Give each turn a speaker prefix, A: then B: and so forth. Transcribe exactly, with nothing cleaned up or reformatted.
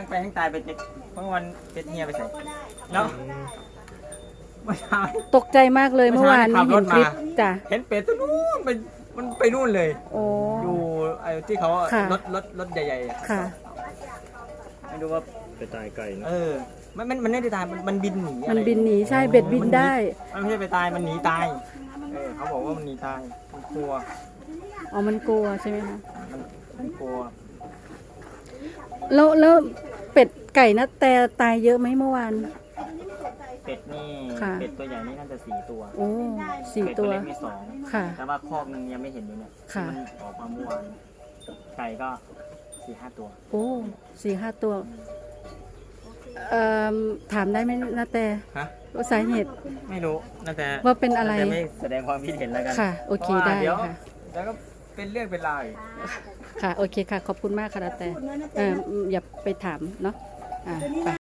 A: ไปทั้งตายเป็ดเมื่อวันเป็ดเฮียไปใส่แล้วเมื่อเช้า
B: ตกใจมากเลยเมื่อวานนี้เห็นคลิปจ้ะ
A: เห็นเป็ดตัวนู้นมันมันไปนู่นเลย
B: โอ้
A: อยู่ไอ้ที่เขา
B: ค่ะ
A: รถรถรถใหญ่ๆอะ
B: ค่ะ
A: ไม่รู้ว่า
C: ไปตายไก่เนอะ
A: เออมันมันมันไม่ได้ตายมันมันบินหนีอะ
B: มัน
A: ไร
B: บินหนีใช่เบ็ดบินได้
A: มันไม่ใช่ไปตายมันหนีตายเออเขาบอกว่ามันหนีตายมันกลัว
B: อ๋อมันกลัวใช่ไหมคะ
A: มันมันกลัว
B: แล้วแล้วเป็ดไก่นะแต่ตายเยอะไหมเมื่อวาน
A: เป็ดนี่
B: ค่ะ
A: เป็ดตัวใหญ่นี่น่าจะสี่ตัว
B: โอ้สี่
A: เป็ด
B: ตัว
A: เล็กมีสอง
B: ค่ะ
A: แต่ว่าคอกหนึงยังไม่เห็นอยู่เนี่ย
B: ค่ะ
A: ที่มันออกมาเมื่อวานไก่ก็สี่ห้าตัว
B: โอ้สี่ห้าตัวเอ่อถามได้ไหมนะแต่
A: ฮะ
B: ว่าสาเหตุ
A: ไม่รู้น่าจะ
B: ว่าเป็นอะไร
A: าจไม่แสดงความคิดเห็นแล้วกัน
B: ค่ะโอเค
A: พราะว่า
B: ได้
A: เดี๋ยว
B: ค่ะ
A: แล้วก็เป็นเรื่องเป็นราวอีก
B: ค่ะ โอเคค่ะ ขอบคุณมากค่ะนะแต่เอออย่าไปถามเนาะอ่าไป